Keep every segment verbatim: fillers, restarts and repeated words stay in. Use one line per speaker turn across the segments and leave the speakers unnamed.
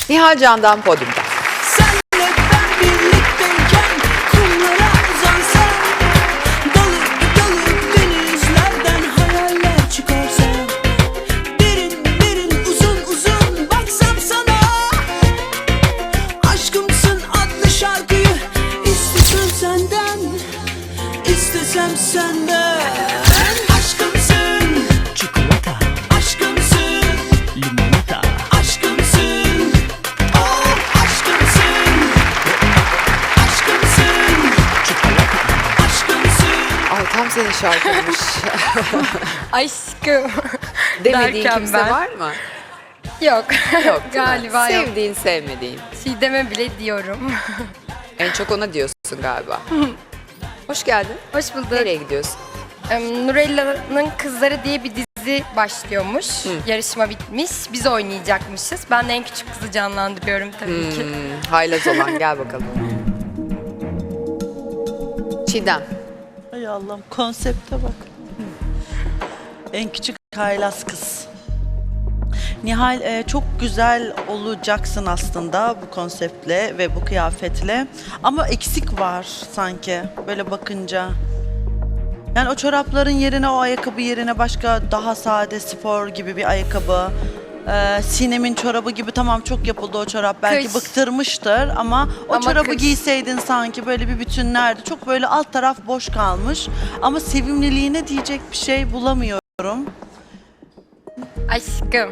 Nihal Can'dan podyumda.
Senle ben birlikteyken kumlara uzansam, dalıp dalıp denizlerden hayaller çıkarsa, derin derin uzun uzun baksam sana. Aşkımsın adlı şarkıyı istesem senden, istesem senden. Aşkımsın çikolata, aşkımsın limonata, aşkımsın, oh aşkımsın, aşkımsın çikolata, aşkımsın.
Ay tam senin şarkıymış.
Aşkım.
Demediğin
derken
kimse
ben-
var mı?
Yok.
Yok değil mi?
Galiba yok.
Sevdiğin, sevmediğin.
Çiğdem'e bile diyorum.
En çok ona diyorsun galiba. Hoş geldin.
Hoş bulduk.
Nereye gidiyorsun?
Em, Nurella'nın Kızları diye bir dizi başlıyormuş. Yarışma bitmiş. Biz oynayacakmışız. Ben de en küçük kızı canlandırıyorum tabii ki.
Hmm, haylaz olan gel bakalım. Çiğdem.
Ay Allah'ım konsepte bak. En küçük haylaz kız. Nihal e, çok güzel olacaksın aslında bu konseptle ve bu kıyafetle. Ama eksik var sanki böyle bakınca. Yani o çorapların yerine, o ayakkabı yerine başka daha sade spor gibi bir ayakkabı. Ee, Sinem'in çorabı gibi tamam çok yapıldı o çorap. Belki
Kış.
bıktırmıştır ama o
Ama
çorabı
kış.
giyseydin sanki böyle bir bütünlerdi. Çok böyle alt taraf boş kalmış. Ama sevimliliğine diyecek bir şey bulamıyorum.
Aşkım.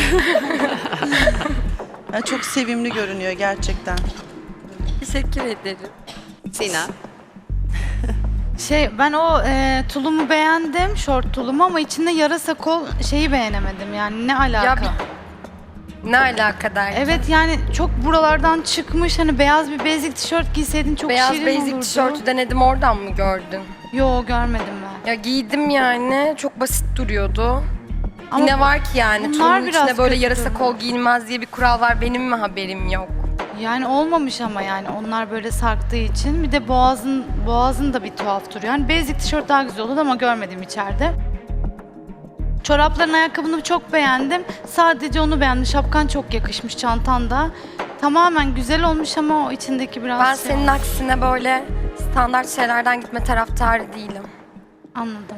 Yani çok sevimli görünüyor gerçekten.
Teşekkür ederim.
Sinem.
Şey ben o e, tulumu beğendim, şort tulumu ama içinde yarasa kol şeyi beğenemedim yani ne alaka?
Ya bir- Ne alaka derken?
Evet yani çok buralardan çıkmış hani beyaz bir basic tişört giyseydin çok
Beyaz
şirin
basic
olurdu.
tişörtü denedim, oradan mı gördün?
Yo görmedim ben.
Ya giydim yani, çok basit duruyordu.
Ama
ne var ki yani,
bunlar
tulumun
biraz
içine böyle
kötü
yarasa
durdu.
kol giyilmez diye bir kural var, benim mi haberim yok?
Yani olmamış ama yani onlar böyle sarktığı için bir de boğazın boğazın da bir tuhaf duruyor. Yani basic tişört daha güzel olurdu ama görmedim içeride. Çorapların ayakkabını çok beğendim. Sadece onu beğendim. Şapkan çok yakışmış, çantan da. Tamamen güzel olmuş ama o içindeki biraz
Ben
şey
senin
olmuş.
aksine böyle standart şeylerden gitme taraftarı değilim.
Anladım.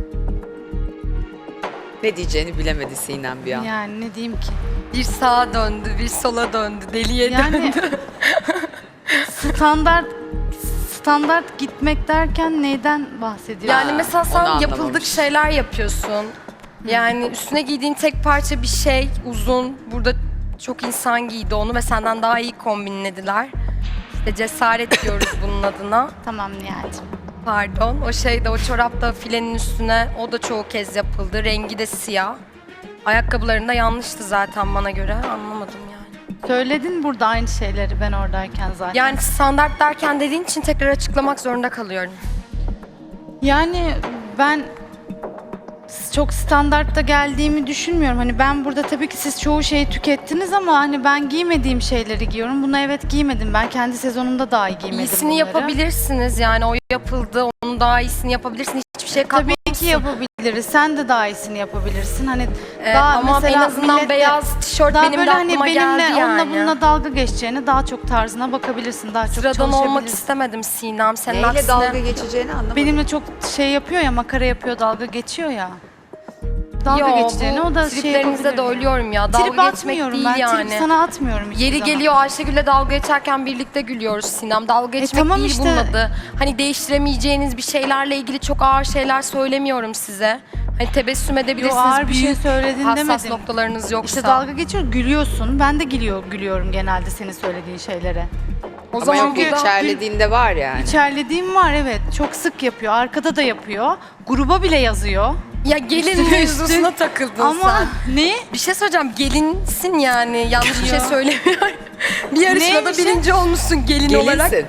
Ne diyeceğini bilemedi Sinem bir an.
Yani ne diyeyim ki?
Bir sağa döndü, bir sola döndü, deliye
Yani
döndü.
standart standart gitmek derken neyden bahsediyor?
Yani
Ha,
mesela
onu
sen
anlamamış.
yapıldık şeyler yapıyorsun. Yani üstüne giydiğin tek parça bir şey, uzun. Burada çok insan giydi onu ve senden daha iyi kombinlediler. İşte cesaret diyoruz bunun adına.
Tamam Nihal'cim.
Pardon. O şey de, o çorap da filenin üstüne, o da çoğu kez yapıldı. Rengi de siyah. Ayakkabıların da yanlıştı zaten bana göre. Anlamadım yani.
Söyledin burada aynı şeyleri ben oradayken zaten.
Yani standart derken dediğin için tekrar açıklamak zorunda kalıyorum.
Yani ben çok standartta geldiğimi düşünmüyorum. Hani ben burada tabii ki siz çoğu şeyi tükettiniz ama hani ben giymediğim şeyleri giyiyorum. Bunu evet giymedim. Ben kendi sezonumda daha iyi giymedim
İyisini
bunları.
yapabilirsiniz yani, o yapıldı, onun daha iyisini yapabilirsiniz. Hiçbir şey
Tabii
katmamışsın.
ki yapabiliriz. Sen de daha iyisini yapabilirsin. Hani
Ee,
daha
ama en
mesela
azından
milletle-
beyaz tişört
daha
benim
böyle
de
hani
aklıma
benimle
geldi yani.
onunla bununla dalga geçeceğine daha çok tarzına bakabilirsin. Daha çok
Sıradan olmak
çalışabilirsin.
istemedim Sinem. Senin
Neyle
aksine
dalga geçeceğini anlamadım.
Benimle çok şey yapıyor ya, makara yapıyor, dalga geçiyor ya. Dalga
Yo,
geçeceğine
bu
o da şey
triplerinizde
yapabilir.
de ölüyorum ya. Dalga
Trip
geçmek
atmıyorum
değil
ben.
yani.
Trip sana atmıyorum hiçbir
Yeri
zaman.
geliyor Ayşegül'le dalga geçerken birlikte gülüyoruz Sinem. Dalga geçmek
tamam
değil
işte.
bunun adı. Hani değiştiremeyeceğiniz bir şeylerle ilgili çok ağır şeyler söylemiyorum size. Hani tebessüm edebilirsiniz.
Yo, ağır bir şey
büyük
söyledin
hassas
demedim.
noktalarınız yoksa.
İşte dalga geçiyor, gülüyorsun. Ben de gülüyor, gülüyorum genelde senin söylediğin şeylere.
O
Ama
zaman
yok
burada
içerlediğinde var yani.
İçerlediğim var evet. Çok sık yapıyor. Arkada da yapıyor. Gruba bile yazıyor.
ya gelin
Üstüne
mevzusuna
üstlük.
takıldın
Ama
sen.
ne?
Bir şey söyleyeceğim. Gelinsin yani. Yanlış bir şey
Ya.
söylemiyorum. Bir yarışmada
Neymiş?
birinci olmuşsun gelin olarak.
Gelinsin.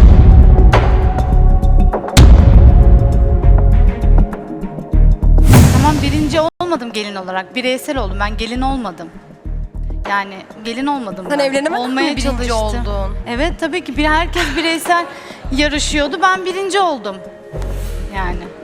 Tamam birinci olmadım gelin olarak. Bireysel oldum. Ben gelin olmadım. Yani gelin olmadım
Sen
ben.
evlenemedin mi
Olmaya
birinci
çalıştım.
oldun?
Evet tabii ki bir herkes bireysel yarışıyordu. Ben birinci oldum. Yani.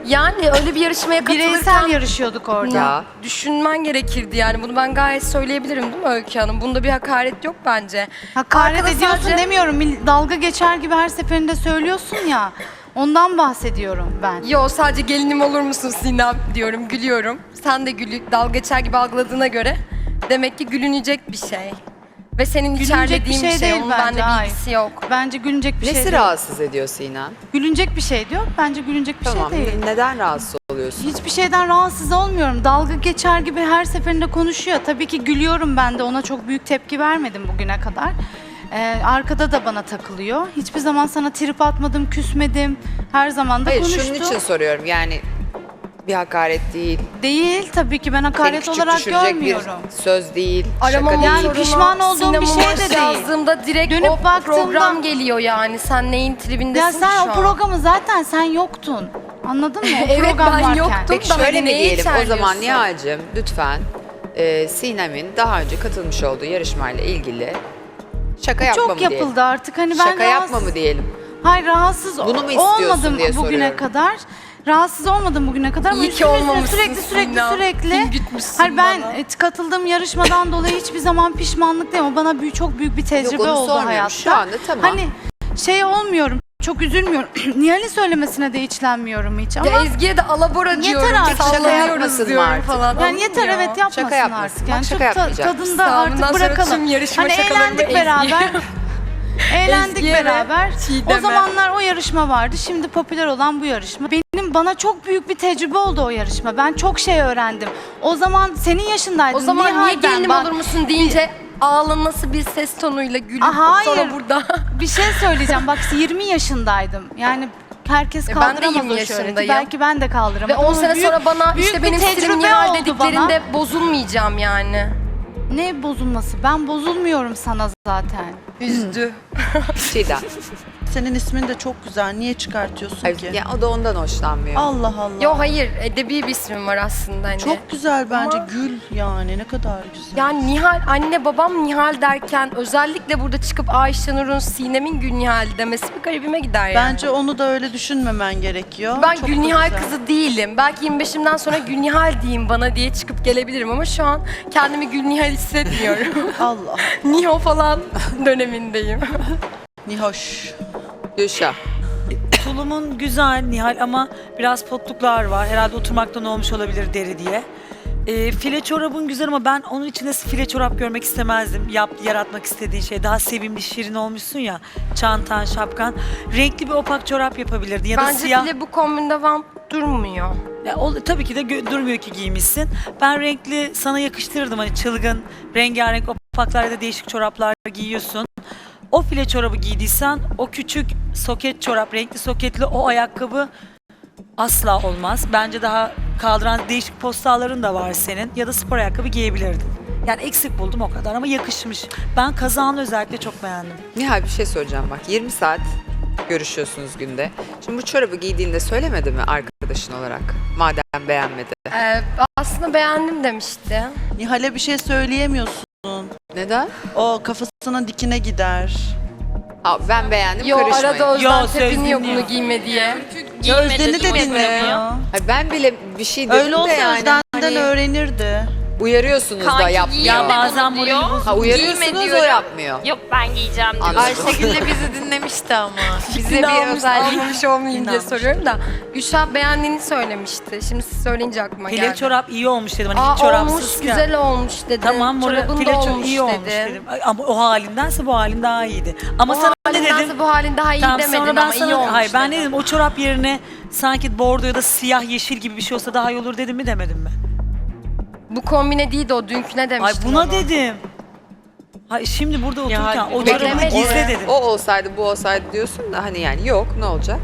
Yani öyle bir yarışmaya
Bireysel
katılırken
yarışıyorduk orada.
Ya.
düşünmen gerekirdi yani. Bunu ben gayet söyleyebilirim değil mi Öykü Hanım? Bunda bir hakaret yok bence.
Hakaret
Arkada
ediyorsun
sadece-
demiyorum. Mil- Dalga geçer gibi her seferinde söylüyorsun ya. Ondan bahsediyorum ben.
Yo, sadece gelinim olur musun Sinem diyorum, gülüyorum. Sen de gülü, dalga geçer gibi algıladığına göre demek ki gülünecek bir şey. Ve senin
Gülünecek
içerlediğin bir şey,
değil
onun
bence,
bende
hayır.
bilgisi yok.
Bence gülünecek bir şey
Nesi
değil.
rahatsız ediyor Sinem?
Gülünecek bir şey diyor. Bence gülünecek bir
Tamam.
şey değil.
Neden rahatsız oluyorsun?
Hiçbir şeyden rahatsız olmuyorum. Dalga geçer gibi her seferinde konuşuyor. Tabii ki gülüyorum ben de. Ona çok büyük tepki vermedim bugüne kadar. Ee, arkada da bana takılıyor. Hiçbir zaman sana trip atmadım, küsmedim. Her zaman da
Hayır,
konuştu.
şunun için soruyorum. Yani bir hakaret değil.
Değil tabii ki ben
Seni
hakaret
küçük
olarak
düşürecek
görmüyorum.
bir söz değil.
Aramamın
şaka
yani
değil.
sorunu,
pişman olduğum bir
Sinem'e
şey de değil.
yazdığımda direkt
Dönüp
o
baktığımda-
program geliyor yani. Sen neyin tribindesin
Ya
ki
sen
şu
o
an?
programı zaten sen yoktun. Anladın mı? O
Evet,
program
ben
varken.
yoktum.
Peki
da
şöyle
hani
mi
neye
diyelim o zaman
içerliyorsun?
Nihal'cim lütfen e, Sinem'in daha önce katılmış olduğu yarışmayla ilgili şaka yapma
Çok
mı diyelim?
yapıldı artık. Hani ben
Şaka yapma
rahatsız-
mı diyelim?
Hayır rahatsız
Bunu mu istiyorsun
olmadım
diye
bugüne
soruyorum.
kadar. Rahatsız olmadım bugüne kadar ama
İyi ki
üstüne üstüne
olmamışsın
sürekli sürekli
Sinem.
sürekli.
Kim gütmüşsün
Hayır ben
bana?
e, katıldığım yarışmadan dolayı hiçbir zaman pişmanlık değil ama bana büyük, çok büyük bir tecrübe
onu
oldu
sormuyorum.
hayatta.
Şu anda tamam.
Hani şey olmuyorum. Çok üzülmüyorum. Nihal'in söylemesine de içlenmiyorum hiç ama
Ya Ezgi'ye de alabora
Yeter
diyorum.
artık, şaka
sallanıyoruz
yapmasın mı
diyorum
artık?
falan.
yani yeter
Olmuyor.
evet yapmasın
Şaka yapmasın.
artık.
Bak,
Yani
şaka
çok ta-
yapmayacak.
tadını da
Tamam, bundan
artık
sonra
bırakalım.
tüm yarışma
Hani
şakalarını
eğlendik
Ezgi'ye-
beraber. Eğlendik
Ezgi'ye ve
beraber. O
Çiğdem'e.
zamanlar o yarışma vardı. Şimdi popüler olan bu yarışma. Benim bana çok büyük bir tecrübe oldu o yarışma. Ben çok şey öğrendim. O zaman senin yaşındaydın.
O zaman niye
Nihal'den
gelinim
bak-
olur musun deyince ağla nasıl bir ses tonuyla gülüp
Aa, hayır.
sonra burada.
Bir şey söyleyeceğim. Bak yirmi yaşındaydım. Yani herkes
E, ben de
kaldıramaz
yirmi
o şöhreti.
yaşındayım.
Belki ben de kaldıramadım.
Ve on
ama
sene
büyük-
sonra bana
büyük
işte
bir
benim
tecrübe
stilim Nihal
oldu
dediklerinde
bana.
bozulmayacağım yani.
Ne bozulması? Ben bozulmuyorum sana zaten.
Üzdü.
Çiğdem.
Senin ismin de çok güzel. Niye çıkartıyorsun
Ay,
ki?
ya, o da ondan hoşlanmıyor.
Allah Allah.
Yo hayır, edebi bir ismim var aslında hani.
Çok güzel bence.
Ama-
Gül yani ne kadar güzel.
Yani Nihal, anne babam Nihal derken özellikle burada çıkıp Ayşenur'un, Sinem'in Gül Nihal demesi bir garibime gider yani.
Bence onu da öyle düşünmemen gerekiyor.
Ben
Çok
Gül
da
Nihal
güzel.
kızı değilim. Belki yirmi beşimden sonra Gül Nihal diyeyim bana diye çıkıp gelebilirim ama şu an kendimi Gül Nihal hissetmiyorum.
Allah.
Niho falan dönemindeyim.
Nihoş.
Gülşah.
Tulumun güzel Nihal ama biraz potluklar var. Herhalde oturmaktan olmuş olabilir deri diye. Ee, file çorabın güzel ama ben onun içinde file çorap görmek istemezdim. Yap, yaratmak istediğin şey. Daha sevimli, şirin olmuşsun ya. Çantan, şapkan. Renkli bir opak çorap yapabilirdin ya da
Bence
siyah.
bile bu kombinde vamp durmuyor.
Ya, o, tabii ki de gö- durmuyor ki giymişsin. Ben renkli sana yakıştırırdım. Hani çılgın, rengarenk opaklar ya da değişik çoraplar giyiyorsun. O file çorabı giydiysen o küçük soket çorap, renkli soketli o ayakkabı asla olmaz. Bence daha kaldıran değişik postalların da var senin ya da spor ayakkabı giyebilirdin. Yani eksik buldum o kadar ama yakışmış. Ben kazağını özellikle çok beğendim.
Nihal bir şey soracağım bak. yirmi saat görüşüyorsunuz günde. Şimdi bu çorabı giydiğinde söylemedi mi arkadaşın olarak? Madem beğenmedi.
Ee, aslında beğendim demişti.
Nihal'e bir şey söyleyemiyorsun.
Neden?
O kafasının dikine gider.
Aa, ben beğendim
Yo
karışmayın.
arada Özden
Yo, söz
tepiniyor
dinliyor.
bunu giyme diye.
Özden'i de dinlemiyor.
Ay, ben bile bir şey dedim
Öyle olsa
de yani.
Özden'den
hani
öğrenirdi.
uyarıyorsunuz da yapmıyor.
Ya bazen morali bozuluyor.
Ha, uyarıyorsunuz o yapmıyor.
Yok ben giyeceğim diyor.
Anladım.
Ayşegül de bizi dinlemişti ama. Bize
Bize
bir
almış,
özellik.
almamış olmayayım diye
İnanmış.
soruyorum da. Gülşah beğendiğini söylemişti. Şimdi siz söyleyince aklıma
File
geldi.
çorap iyi olmuş dedim. Hani
Aa,
hiç çorapsız
olmuş, güzel olmuş dedi.
Tamam, mora,
Çorabın
file
da
çok
olmuş
iyi
dedi.
olmuş dedim. Ay, ama o halindense bu halin daha iyiydi. Ama
O
sana ne
halindense
dedim?
bu halin daha iyi
Tamam,
demedin
sonra ben
ama iyi
sana,
olmuş
hayır ben ne
dedin.
dedim? O çorap yerine sanki bordo ya da siyah yeşil gibi bir şey olsa daha iyi olur dedim mi demedim mi?
Bu kombine değildi o dünküne
Ay
demiştin
buna
onu.
dedim. Hayır şimdi burada otururken o
Peki,
çorabını
demedi.
gizle dedim.
O olsaydı bu olsaydı diyorsun da hani yani yok ne olacak?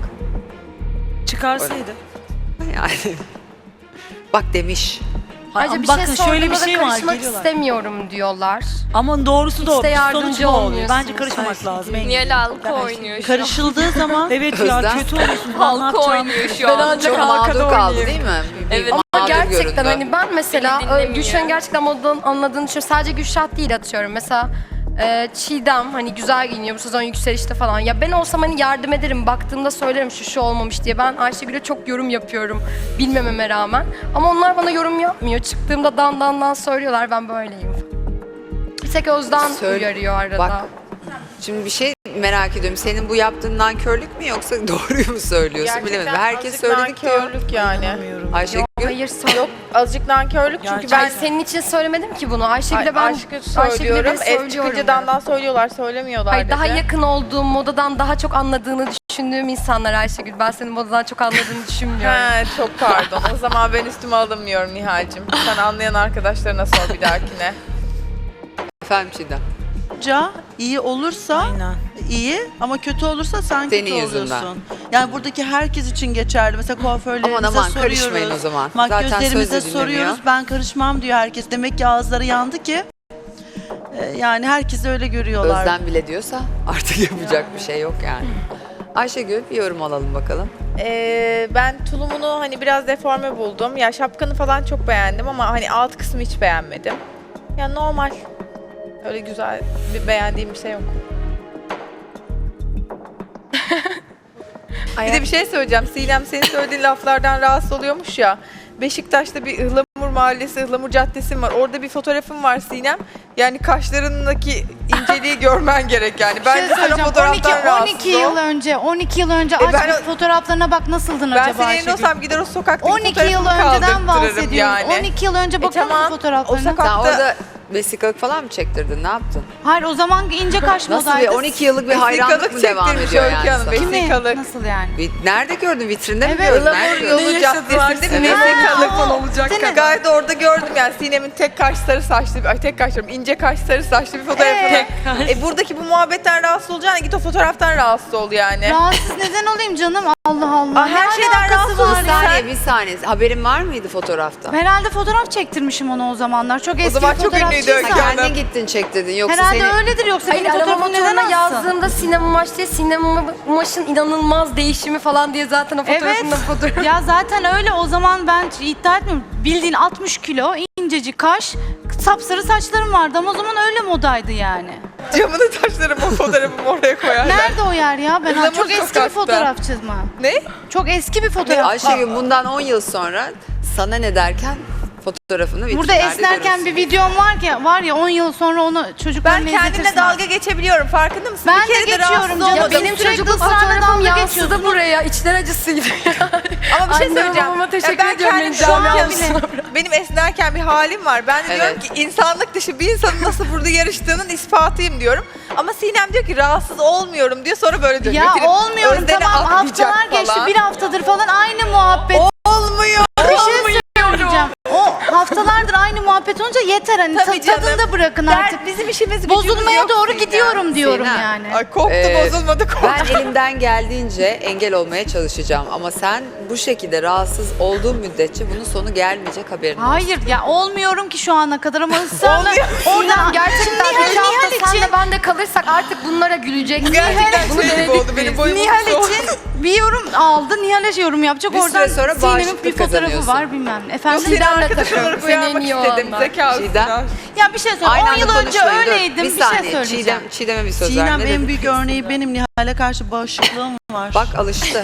Çıkarsaydı.
Yani. Bak demiş.
Hayır,
Ayrıca
ama
bir
bakın
şey
şöyle bir
sorduğumda
şey
da
var
karışmak
geliyorlar.
istemiyorum diyorlar.
Ama doğrusu da o.
Hiç de yardımcı
Sonuç bu oluyor.
olmuyorsunuz.
Bence karışmamak lazım. En
Nihal
güzeli.
halka oynuyor şu an.
Karışıldığı zaman
Evet ya
Özlem.
kötü oluyorsun. Ben ne
Halka
yapacağımı
oynuyor şu
Ben
an.
ancak
Çok
halkada
mağdur kaldı
oynayayım.
değil mi? Bir
Evet.
mağdur
Ama gerçekten
göründü.
hani ben mesela
Beni dinlemiyor.
Gülşah'ın gerçekten moddan anladığını düşünüyorum. Sadece Gülşah değil atıyorum. Mesela Ee, Çiğdem hani güzel giyiniyor bu sezon yükselişte falan. Ya ben olsam hani yardım ederim. Baktığımda söylerim şu şu olmamış diye. Ben Ayşegül'e çok yorum yapıyorum bilmememe rağmen. Ama onlar bana yorum yapmıyor. Çıktığımda dan dan dan söylüyorlar ben böyleyim. Bir tek Özden
Söyle-
uyarıyor arada.
Bak, şimdi bir şey merak ediyorum. Senin bu yaptığın nankörlük mü yoksa doğruyu mu söylüyorsun bilemedim. Herkes
azıcık
söyledik diyor.
nankörlük yani.
Ayşegül
Hayır söyle.
Yok azıcık nankörlük çünkü
Gerçekten.
Ben
ben
senin için söylemedim ki bunu. Ayşegül'e
Ay,
ben
aşkı
Ayşegül'e
söylüyorum.
bile
Es
söylüyorum.
çıkıcıdan da söylüyorlar, söylemiyorlar
Hayır,
dedi.
daha yakın olduğum, modadan daha çok anladığını düşündüğüm insanlar Ayşegül. Ben senin modadan çok anladığını düşünmüyorum.
He, çok pardon. O zaman ben üstüme alınmıyorum Nihal'cim. Sen anlayan arkadaşlarına sor bir dahakine.
efendim Çiğdem.
Ca iyi olursa
Aynen.
iyi ama kötü olursa sen
Senin
kötü
yüzünden.
oluyorsun. Yani buradaki herkes için geçerli. Mesela kuaförlerimize
Aman aman
soruyoruz.
karışmayın o zaman. Zaten
Makyözlerimize
söz de dinlemiyor.
soruyoruz. Ben karışmam diyor herkes. Demek ki ağızları yandı ki e, yani herkes öyle görüyorlar.
Özlem bile diyorsa artık yapacak bir şey yok yani. Ayşegül bir yorum alalım bakalım.
Ee, ben tulumunu hani biraz deforme buldum. Ya şapkanı falan çok beğendim ama hani alt kısmı hiç beğenmedim. Ya normal. Öyle güzel bir beğendiğim bir şey yok. Bir de bir şey söyleyeceğim. Sinem senin söylediğin laflardan rahatsız oluyormuş ya. Beşiktaş'ta bir Ihlamur Mahallesi, Ihlamur Caddesi var. Orada bir fotoğrafım var Sinem. Yani kaşlarındaki inceliği görmen gerek yani.
Bir
Ben
şey
de sana
söyleyeceğim.
fotoğraftan
on iki, on
rahatsız
iki yıl önce, on iki yıl önce
E
aç
ben
bir
o-
fotoğraflarına bak nasıldın
Ben
acaba
senin yerinde
Ayşegül?
olsam gider o sokaktaki
on iki yıl
fotoğrafımı
önceden
kaldırtırırım
bahsediyoruz.
yani.
on iki yıl önce
E
bakıyor
tamam,
musun fotoğraflarına?
o sokak-
Sen
Hatta-
orada vesikalık falan mı çektirdin? Ne yaptın?
Hayır o zaman ince kaş
Nasıl
modaydı.
bir on iki yıllık bir hayranlık mı
Vesikalık
devam
çektirmiş
ediyor
Öykü
yani
Hanım,
sana?
vesikalık.
Kimi?
Vesikalık.
Nasıl yani?
Bir- Nerede gördün? Vitrinde mi
Evet.
gördün?
Ihlamur
Nerede
yolu
gördün?
caddesinde bir
Evet.
vesikalık
Ha, o-
olacak.
senin-
Gayet orada gördüm yani Sinem'in tek kaş sarı saçlı, ay tek kaş diyorum, ince kaş sarı saçlı bir fotoğrafını.
Ee?
E buradaki bu muhabbetten rahatsız olacağına git o fotoğraftan rahatsız ol yani.
Rahatsız neden olayım canım? Allah Allah.
Aa, her
Ne
şeyden
alakası
rahatsız
var
olursun
Bir
ya?
sen.
saniye, bir saniye. Haberin var mıydı fotoğrafta?
Herhalde fotoğraf çektirmişim ona o zamanlar. Çok eski
zaman
bir
çok ünlüydü
fotoğrafçıysan.
Öykü
Ha,
Hanım.
kendin gittin çektirdin yoksa
Herhalde
seni...
öyledir yoksa
Hayır,
benim
arama
fotoğrafımı neden
motoruna
alsın?
yazdığımda sinema maç diye sinema maçın inanılmaz değişimi falan diye zaten o
Evet.
fotoğrafında fotoğraf.
Ya zaten öyle o zaman ben iddia etmiyorum. Bildiğin altmış kilo, incecik kaş, sapsarı saçlarım vardı ama o zaman öyle modaydı yani.
Camını taşlarım o fotoğrafımı oraya koyarlar.
Nerede o yer ya? Ben
Ihlamur
çok eski bir
sokakta.
fotoğrafçıyım mı?
Ne?
Çok eski bir fotoğraf.
Ayşegül bundan on yıl sonra sana ne derken fotoğrafını
Burada
vitrinlerde
esnerken
görürsün.
bir videom var ki var ya on yıl sonra onu çocuklarına
Ben kendimle
izletirsin
dalga
artık.
geçebiliyorum farkında mısın?
Ben
bir
de
kere de
geçiyorum
rahatsız
canım.
Ya
olmadım.
benim
Sürekli
çocukluk
ısrarla
fotoğrafım
dalga
yansıdı
geçiyorsun.
buraya. İçler acısıydı.
Ama bir şey
Anneme,
söyleyeceğim.
babama teşekkür
ben
ediyorum
kendim
beni
şu an
camiasına
bile benim esnerken bir halim var. Ben de
Evet.
diyorum ki insanlık dışı bir insanın nasıl burada yarıştığının ispatıyım diyorum. Ama Sinem diyor ki rahatsız olmuyorum diyor sonra böyle diyor.
Ya
Getirip
olmuyorum
Özden'e
tamam
atlayacak
haftalar geçti
falan.
bir haftadır falan aynı muhabbet.
Olmuyor.
Bir şey söyleyeceğim. O haftalardır aynı muhabbet olunca yeter hani
Tabii
ta- tadını
canım.
da bırakın
Dert
artık.
bizim işimiz gücümüz
Bozulmaya
yok
doğru
Sinem.
gidiyorum diyorum
Sinem.
yani.
Ay korktu
Ee,
bozulmadı korktu.
Ben elimden geldiğince engel olmaya çalışacağım ama sen bu şekilde rahatsız olduğun müddetçe bunun sonu gelmeyecek haberin olsun.
Hayır ya olmuyorum ki şu ana kadar ama ısrarla
Olmuyor.
oradan
Gerçekten
Nihal,
iki hafta
Nihal
sen
için
de ben de kalırsak artık bunlara gülecek.
Gerçekten
Bunu
şey gibi
denedik
oldu
biz.
benim boyum
Nihal
uzun oldu.
için bir yorum aldı. Nihal'e yorum yapacak.
Bir süre
Oradan
sonra
Sinem'in
bağışıklık
bir fotoğrafı
kazanıyorsun.
var bilmem.
Yok
Efendim
seni
Çiğdem'le
arkadaş
takıldım.
olarak
Seni en
uyarmak
iyi o
istedim.
anlar.
Zekasın.
Çiğdem.
ya bir şey söyle.
Aynı
on
anda
yıl önce
konuşmayın, dur.
öyleydim.
Bir
Bir,
saniye
şey söyleyeceğim.
Çiğdem, Çiğdem'e bir söz ver.
Sinem
Ne
en
dedin?
büyük örneği benim Nihal'e karşı bağışıklığım var.
Bak alıştı.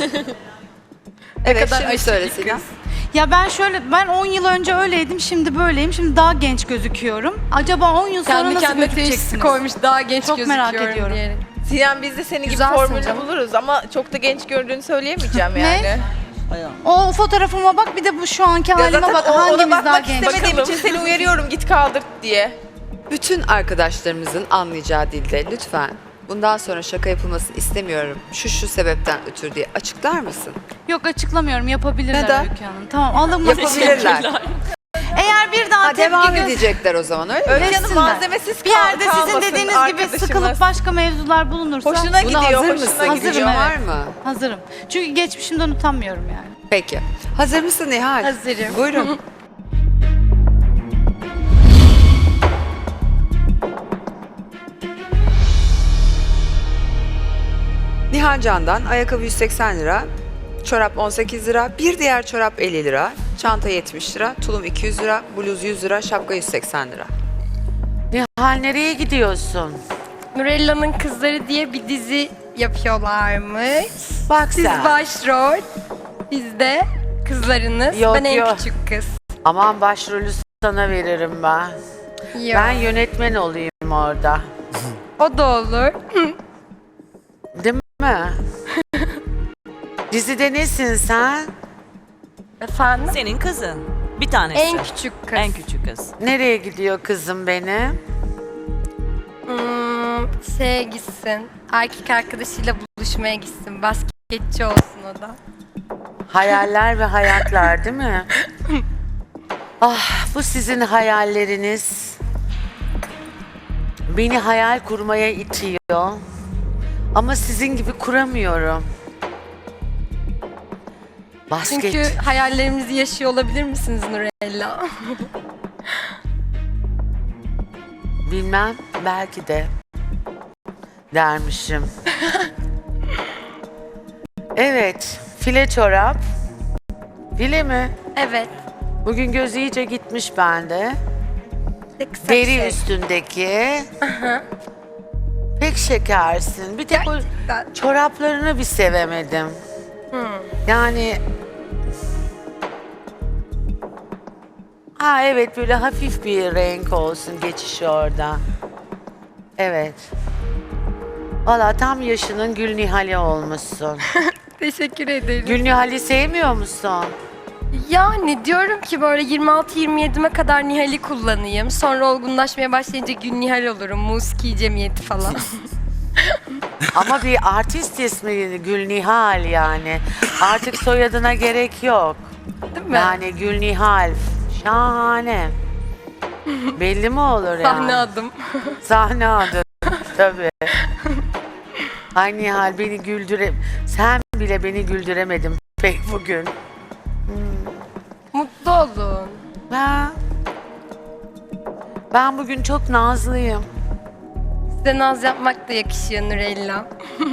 evet
kadar
şimdi
aşırı
söyle
kız.
Sinem.
Ya ben şöyle ben on yıl önce öyleydim. Şimdi böyleyim. Şimdi daha genç gözüküyorum. Acaba on yıl sonra
Kendi
nasıl
kendine teşhis
gözükeceksiniz?
koymuş daha genç
Çok merak
gözüküyorum
ediyorum.
diyerek.
Sinem biz de senin gibi
Güzelsin
formülü
canım.
buluruz ama çok da genç gördüğünü söyleyemeyeceğim
Ne?
yani.
O fotoğrafıma bak bir de bu şu anki
Ya
halime
zaten
bak
o- ona
hangimiz daha
bakmak
genç.
istemediğim için seni uyarıyorum git kaldır diye.
Bütün arkadaşlarımızın anlayacağı dilde lütfen bundan sonra şaka yapılmasını istemiyorum. Şu şu sebepten ötürü diye açıklar mısın?
Yok açıklamıyorum yapabilirler
Neden?
Öykü Hanım. Tamam alınmasın.
Yapabilirler.
Eğer bir daha
Ha,
tepki
devam
gö-
edecekler o zaman öyle mi?
Öyle canım
Desinler.
malzemesiz
bir yerde
kal-
sizin
kalmasın
dediğiniz gibi
arkadaşımız.
sıkılıp başka mevzular bulunursa
Hoşuna
Buna
gidiyor,
hazır
hoşuna
mısın?
Hazırım,
gidiyor.
Gücün
evet.
var mı?
hazırım. Çünkü geçmişimden utanmıyorum yani.
Peki. Hazır mısın Nihal?
Hazırım.
Buyurun. Nihal Can'dan ayakkabı yüz seksen lira, çorap on sekiz lira, bir diğer çorap elli lira, çanta yetmiş lira, tulum iki yüz lira, bluz yüz lira, şapka yüz seksen lira.
Nihal nereye gidiyorsun?
Nurella'nın Kızları diye bir dizi yapıyorlarmış.
Bak
Siz
sen.
başrol, biz de kızlarınız.
Yok,
ben en
yok.
küçük kız.
Aman başrolü sana veririm ben.
Yok.
Ben yönetmen olayım orada.
O da olur.
Değil mi? Dizide nesin sen?
Efendim?
Senin kızın. Bir tanesi.
En küçük kız.
En küçük kız.
Nereye gidiyor kızım benim?
Hmm, şeye gitsin. Erkek arkadaşıyla buluşmaya gitsin. Basketçi olsun o da.
Hayaller ve hayatlar değil mi? Ah, bu sizin hayalleriniz. Beni hayal kurmaya itiyor. Ama sizin gibi kuramıyorum. Basket.
Çünkü hayallerimizi yaşıyor olabilir misiniz Nurella?
Bilmem, belki de dermişim. Evet, file çorap. File mi?
Evet.
Bugün göz iyice gitmiş bende.
De kısa bir
Deri
şey.
üstündeki. Pek şekersin. Bir tek o
Gerçekten.
çoraplarını bir sevemedim. Yani... Ha evet, böyle hafif bir renk olsun geçişi orada. Evet. Valla tam yaşının Gül Nihal'i olmuşsun.
Teşekkür ederim.
Gül Nihal'i sevmiyor musun?
Yani diyorum ki böyle yirmi altı yirmi yedime kadar Nihal'i kullanayım. Sonra olgunlaşmaya başlayınca Gül Nihal olurum. Musiki cemiyeti falan.
Ama bir artist ismi Gül Nihal yani. Artık soyadına gerek yok.
Değil mi?
Yani Gül Nihal. Şahane. Belli mi olur yani?
Sahne adım.
Sahne adı. Tabii. Ay Nihal beni güldüre... Sen bile beni güldüremedin pek bugün.
Mutlu olun.
Ben... Ben bugün çok nazlıyım.
Size naz yapmak da yakışıyor Nurella.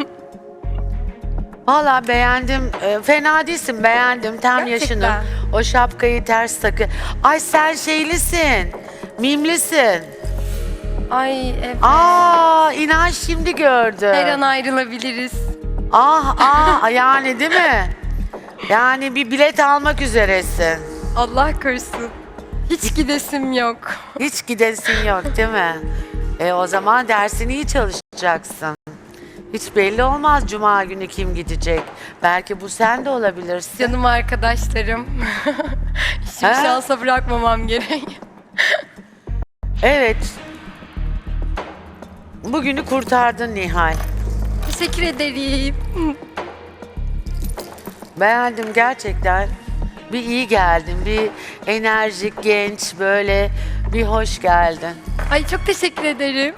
Valla beğendim. Ee, fena değilsin, beğendim. Tam
Gerçekten.
yaşının. O şapkayı ters takı. Ay sen şeylisin. Mimlisin.
Ay evet.
Aa inan şimdi gördüm.
Her an ayrılabiliriz.
Ah ah yani değil mi? Yani bir bilet almak üzeresin.
Allah korusun. Hiç gidesim yok.
Hiç gidesin yok değil mi? E o zaman dersini iyi çalışacaksın. Hiç belli olmaz cuma günü kim gidecek. Belki bu sen de olabilirsin.
Canım arkadaşlarım. Hiçbir
Ha?
şansa bırakmamam gerek.
Evet. Bugünü kurtardın Nihal.
Teşekkür ederim.
Beğendim gerçekten. Bir iyi geldin, bir enerjik, genç, böyle bir hoş geldin.
Ay çok teşekkür ederim.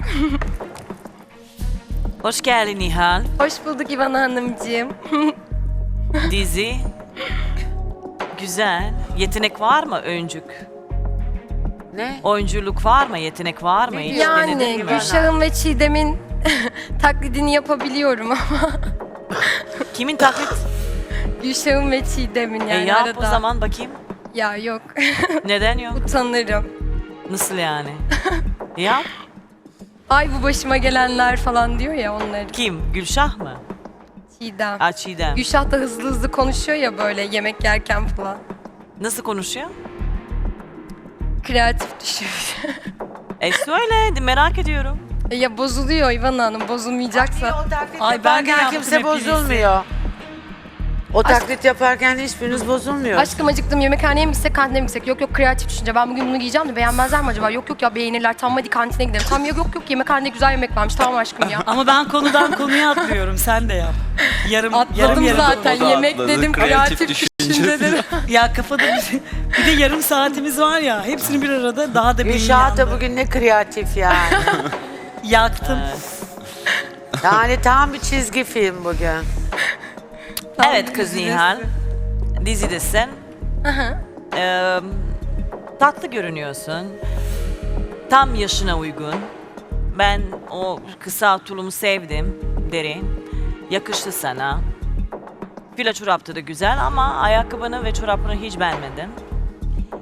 Hoş geldin Nihal.
Hoş bulduk İvana Hanımcığım.
Dizi. Güzel. Yetenek var mı öncük?
Ne?
Oyunculuk var mı? Yetenek var mı? Hiç denedin
Yani
mi?
Gülşah'ın ve Çiğdem'in taklidini yapabiliyorum ama
Kimin taklit?
Gülşah'ın ve Çiğdem'in
E
yani
yap
arada.
o zaman bakayım.
Ya yok.
Neden yok?
Utanırım.
Nasıl yani? Yap.
Ay bu başıma gelenler falan diyor ya onları.
Kim? Gülşah mı?
Çiğdem.
Ha Çiğdem.
Gülşah da hızlı hızlı konuşuyor ya böyle yemek yerken falan.
Nasıl konuşuyor?
Kreatif düşüyor.
E söyle, merak ediyorum.
Ya bozuluyor İvana Hanım, bozulmayacaksa.
Ay, ben de
yaparken
yaptım
kimse
hepinizi.
bozulmuyor. O taklit yaparken hiçbiriniz bozulmuyor.
Aşkım acıktım yemekhaneye mi gitsek kantine mi gitsek? Yok yok kreatif düşünce ben bugün bunu giyeceğim de beğenmezler mi acaba? Yok yok ya beğenirler tamam hadi kantine gidelim. Tamam yok yok yok yemekhanede güzel yemek varmış tamam aşkım ya.
Ama ben konudan konuya atlıyorum. Sen de yap. Yarım yarım
Atladım
yarım.
zaten
O da
yemek
atladı,
dedim
kreatif
kreatif
düşünce.
düşünce dedim.
Ya kafada bir, bir de yarım saatimiz var ya. Hepsini bir arada daha da bir
Gülşah da
yandı.
bugün ne kreatif yani.
Yaktım.
Yani tam bir çizgi film bugün.
Evet kız Nihal. Dizidesin. Ee, tatlı görünüyorsun. Tam yaşına uygun. Ben o kısa tulumu sevdim. Deri. Yakıştı sana. Fila çorapta da güzel ama ayakkabını ve çorapını hiç beğenmedim.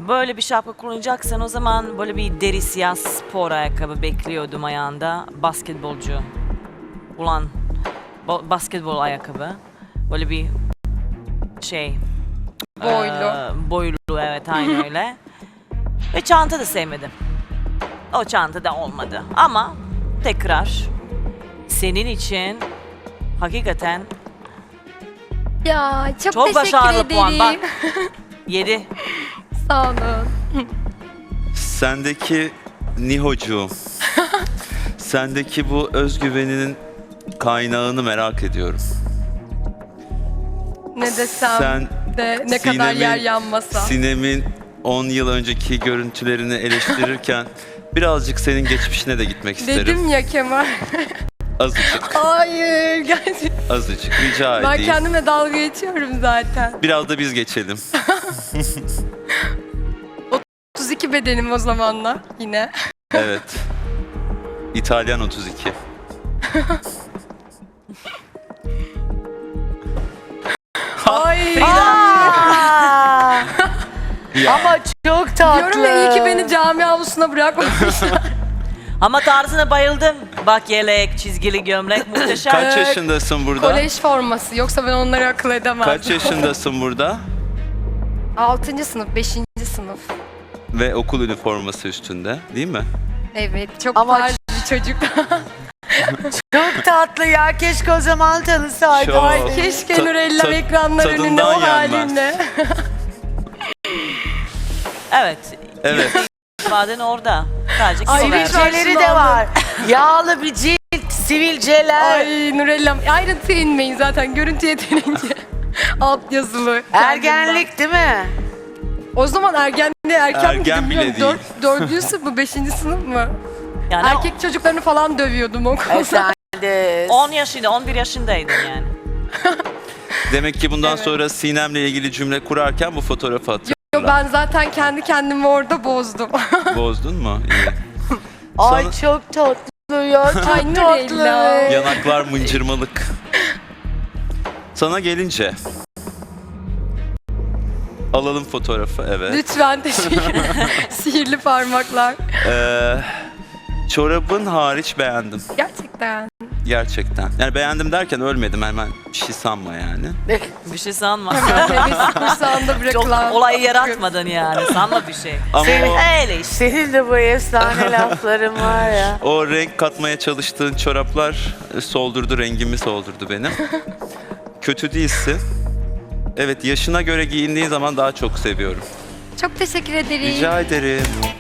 böyle bir şapka kullanacaksan o zaman böyle bir deri siyah spor ayakkabı bekliyordum ayağında. Basketbolcu olan bo- basketbol ayakkabı. Böyle bir şey.
Boylu.
eee, boylu evet aynı öyle. Ve çanta da sevmedim. O çanta da olmadı. Ama tekrar senin için hakikaten
Ya çok,
çok
teşekkür
başarılı
ederim.
puan. Bak yedi.
Sağ olun.
Sendeki Nihocuğum, sendeki bu özgüveninin kaynağını merak ediyorum.
Ne desem
Sen
de ne kadar
Sinem'in-
yer yanmasa.
Sinem'in on yıl önceki görüntülerini eleştirirken birazcık senin geçmişine de gitmek isterim.
Dedim ya Kemal.
Azıcık,
Hayır gerçekten.
azıcık rica
Ben
edeyim.
kendime dalga geçiyorum zaten.
Biraz da biz geçelim.
otuz iki bedenim o zamanlar yine.
Evet. İtalyan otuz iki.
Ay.
Aa!
Ya,
Ama çok tatlı.
Diyorum ya iyi ki beni cami avlusuna bırakmamışlar.
Ama tarzına bayıldım. Bak yelek, çizgili gömlek muhteşem.
kaç yaşındasın burada?
Kolej forması yoksa ben onları akıl edemezdim.
Kaç yaşındasın burada?
altıncı sınıf, beşinci sınıf.
Ve okul üniforması üstünde, değil mi?
Evet çok
Ama-
tarz bir çocuk.
Çok tatlı ya. Keşke o zaman tanısaydım.
Çok.
Ay,
Keşke
Ta-
Nurella
ta-
ekranlar
tadından
önünde o
yenmez.
halinle.
Evet.
Evet.
İfaden orada. Sadece
Ay,
kilo ver.
hiç-
Sivilceleri de var. Yağlı bir cilt, sivilceler.
Ay Nurella ayrıntıya inmeyin zaten görüntü yeterince. Alt yazılı.
Ergenlik değil mi?
kendimden. O zaman ergenliğe erken mi
Ergen
gittim
bile
bilmiyorum. Dört, dördüncü sınıf mı, beşinci sınıf mı?
Yani
Erkek çocuklarını falan dövüyordum okulda.
E sen de.
on yaşında, on bir yaşındaydın yani.
Demek ki bundan
Evet.
sonra Sinem'le ilgili cümle kurarken bu fotoğrafı
Yo,
hatırla.
ben zaten kendi kendimi orada bozdum.
Bozdun mu? İyi.
Ay
Sana-
çok tatlı ya. Çok
Ay,
tatlı.
Nurella.
Yanaklar mıncırmalık. Sana gelince. Alalım fotoğrafı, evet.
Lütfen teşekkür Sihirli parmaklar.
Ee, çorabın hariç beğendim.
Gerçekten.
Gerçekten. Yani beğendim derken ölmedim, hemen bir şey sanma yani.
Bir şey sanma.
Heves kursağında
Çok
bırakılan.
olayı yaratmadın yani. Sanma bir şey.
Ama o,
Öyle işte.
Senin de bu efsane lafların var ya.
o renk katmaya çalıştığın çoraplar e, soldurdu, rengimi soldurdu benim. Kötü değilsin. Evet, yaşına göre giyindiğin zaman daha çok seviyorum.
Çok teşekkür ederim.
Rica ederim.